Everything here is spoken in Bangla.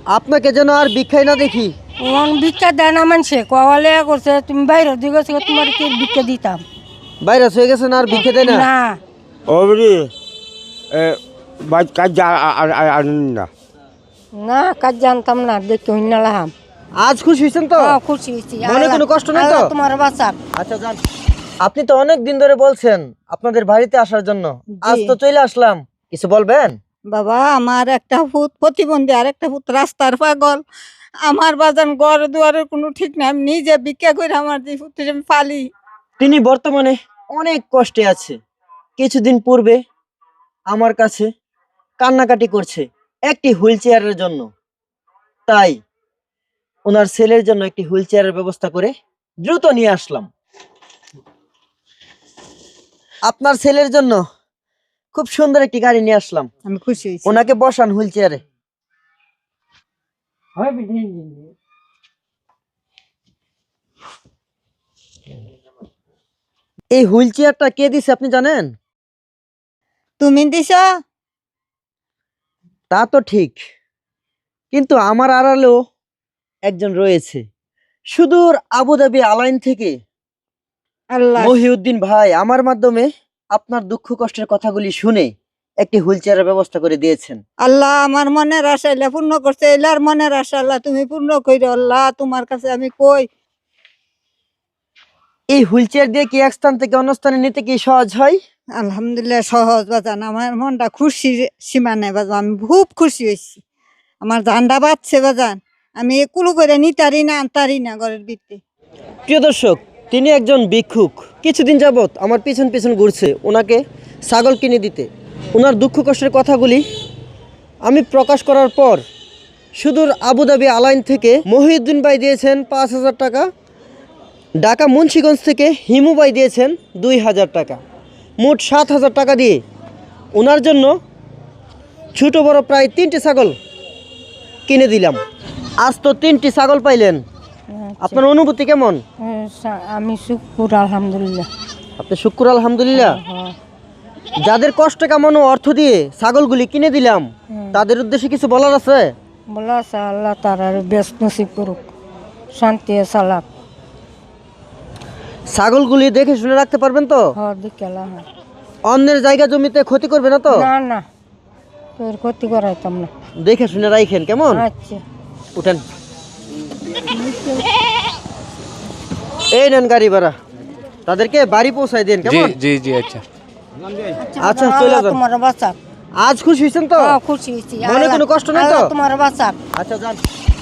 আপনাকে যেন আর ভিক্ষাই না দেখি। ভিক্ষা দেয় না মানুষে কওয়ালে করছে তুমি বাইরের দিকে গেছো তোমার কি ভিক্ষা দিতাম। ভাইরাস হয়ে গেছে না আর ভিক্ষা দেয় না? না ওবরি কাজ না না কাজ জানতাম না দেখে হইনা লাহাম। আজ খুশি হয়েছেন তো? খুশি হয়েছি। মনে কোনো কষ্ট নেই তো? তোমার বাঁচাক। আচ্ছা যান। আপনি তো অনেক দিন ধরে বলছেন আপনাদের বাড়িতে আসার জন্য, আজ তো চলে আসলাম, কিছু বলবেন? বাবা আমার একটা ভূত প্রতিবন্ধী আর একটা ভূত রাস্তার পাগল। আমার বাজান ঘর দুয়ারের কোনো ঠিক নাই, আমি নিজে ভিক্ষা করে আমার যে ভূতটা আমি পালি। তিনি বর্তমানে অনেক কষ্টে আছে। কিছুদিন পূর্বে আমার কাছে কান্নাকাটি করছে একটি হুইল চেয়ারের জন্য। তাই ওনার ছেলের জন্য একটি হুইল চেয়ারের ব্যবস্থা করে দ্রুত নিয়ে আসলাম। আপনার ছেলের জন্য খুব সুন্দর একটি গাড়ি নিয়ে আসলাম। আমি খুশি হয়েছি। ওনাকে বসান হুইল চেয়ারে। এই হুইল চেয়ারটা কে দিছে আপনি জানেন? তুমি দিছ? তা তো ঠিক, কিন্তু আমার আড়ালেও একজন রয়েছে, সুদূর আবুধাবি আলাইন থেকে আল্লাহ মহিউদ্দিন ভাই আমার মাধ্যমে আপনার দুঃখ কষ্টের কথাগুলি শুনে একটি হুইল চেয়ারের ব্যবস্থা করে দিয়েছেন। আল্লাহ আমার মনের আশা এলা পূর্ণ করছে। এলার মনের আশা আল্লাহ তুমি পূর্ণ কইরো। আল্লাহ তোমার কাছে আমি কই এই হুইল চেয়ার দিয়ে কি এক স্থান থেকে অন্য স্থানে নিতে কি সহজ হয়? আলহামদুলিল্লাহ সহজ বাজান। আমার মনটা খুশির সীমা নেই বাজান, আমি খুব খুশি হয়েছি। আমার জান্ডা বাজছে বাজান, আমি একুলো করে নিতারি না আনতারি না ঘরের ভিতরে। প্রিয় দর্শক, তিনি একজন ভিক্ষুক, কিছুদিন যাবত আমার পিছন পিছন ঘুরছে ওনাকে ছাগল কিনে দিতে। ওনার দুঃখ কষ্টের কথাগুলি আমি প্রকাশ করার পর সুদূর আবুধাবি আলাইন থেকে মহিউদ্দিন ভাই দিয়েছেন 5,000 টাকা, ঢাকা মুন্সিগঞ্জ থেকে হিমু ভাই দিয়েছেন 2,000 টাকা, মোট 7,000 টাকা দিয়ে ওনার জন্য ছোটো বড় প্রায় 3টি ছাগল কিনে দিলাম। আজ তো 3টি ছাগল পাইলেন, আপনার অনুভূতি কেমন? আমি শুকুর আলহামদুলিল্লাহ। আপনি শুক্র আলহামদুলিল্লাহ। যাদের কষ্ট কামানো অর্থ দিয়ে ছাগলগুলি কিনে দিলাম তাদের উদ্দেশ্যে কিছু বলার আছে? বলা আছে আল্লাহ তার আর ব্যস্ত নসিব করুক, শান্তি সালাক। ছাগলগুলি দেখে শুনে রাখতে পারবেন তো? দেখে অন্যের জায়গা জমিতে ক্ষতি করবে না তো? না না তোর ক্ষতি করাইতাম না। দেখে শুনে রাখেন কেমন? আচ্ছা উঠেন, এই নেন গাড়ি ভাড়া, তাদেরকে বাড়ি পৌঁছাই দেন কেমন? জি জি আচ্ছা আচ্ছা চলে যান। তোমার বাঁচাক। আজ খুশি হয়েছেন তো? খুশি হয়েছি। মনে কোনো কষ্ট নেই তো? তোমার বাঁচাক। আচ্ছা যান।